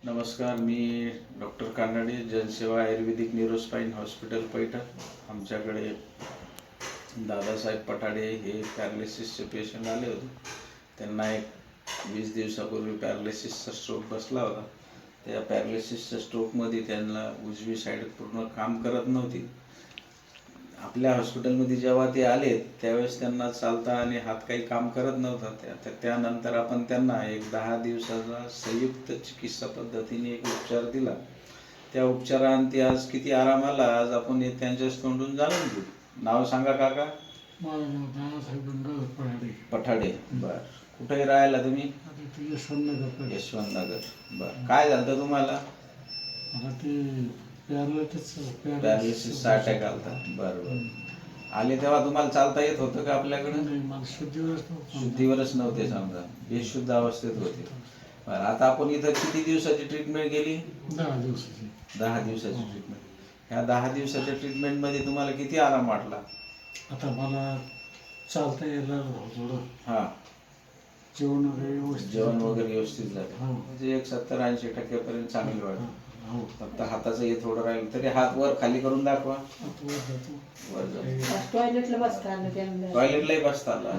नमस्कार, मी डॉक्टर कानडे, जनसेवा आयुर्वेदिक neurospine hospital Paithan. आमच्याकडे दादासाहेब पठाडे हे पॅरालिसिसचे पेशंट आले होते. त्यांना एक 20 दिवसापूर्वी पॅरालिसिसचा स्ट्रोक बसला होता. त्या पॅरालिसिसच्या स्ट्रोकमध्ये त्यांना उजवी साईड पूर्ण काम करत नव्हती. आपल्या हॉस्पिटलमध्ये जेव्हा ते आले त्यावेळेस त्यांना चालता आणि हात काही काम करत नव्हता. त्यानंतर आपण त्यांना एक 10 दिवसाचा संयुक्त चिकित्सा पद्धतीने एक उपचार दिला. त्या उपचारांती आज किती आराम आला आज आपण हे त्यांच्याच तोंडून जाणून घेऊ. नाव सांगा काका. माझं नाव दादासाहेब पठाडे. पठाडे. बर, कुठे राहायला तुम्ही? यशवंतनगर. यशवंतनगर. बर, काय झालं तुम्हाला? मला ते पॅरालिसिसचा अटॅक आलता. बरं. आले तेव्हा तुम्हाला चालता येत होतं का आपल्याकडे? मला शुद्धीवरच नव्हते, समजा बेशुद्ध अवस्थेत होते. बरं, आता आपण इथं किती दिवसाची ट्रीटमेंट केली? 10 दिवसाची. 10 दिवसाची ट्रीटमेंट. ह्या 10 दिवसाच्या ट्रीटमेंटमध्ये तुम्हाला किती आराम वाटला? आता मला चालता यायला थोडं. हां, जेवण वगैरे व्यवस्थित झालं. म्हणजे एक 70-80% पर्यंत चांगली वाटली. फक्त हाताचं हे थोडं राहिलं तरी हात वर खाली करून दाखवा. वर जाऊ. टॉयलेटला बसता आलं त्यांना. टॉयलेटलाही बसता आलं.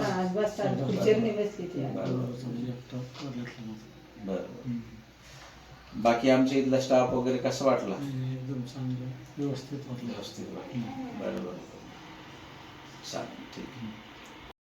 बरं. बाकी आमच्या इथला स्टाफ वगैरे कसं वाटला? एकदम चांगलं, व्यवस्थित वाटलं. बरं. चालेल, ठीक आहे.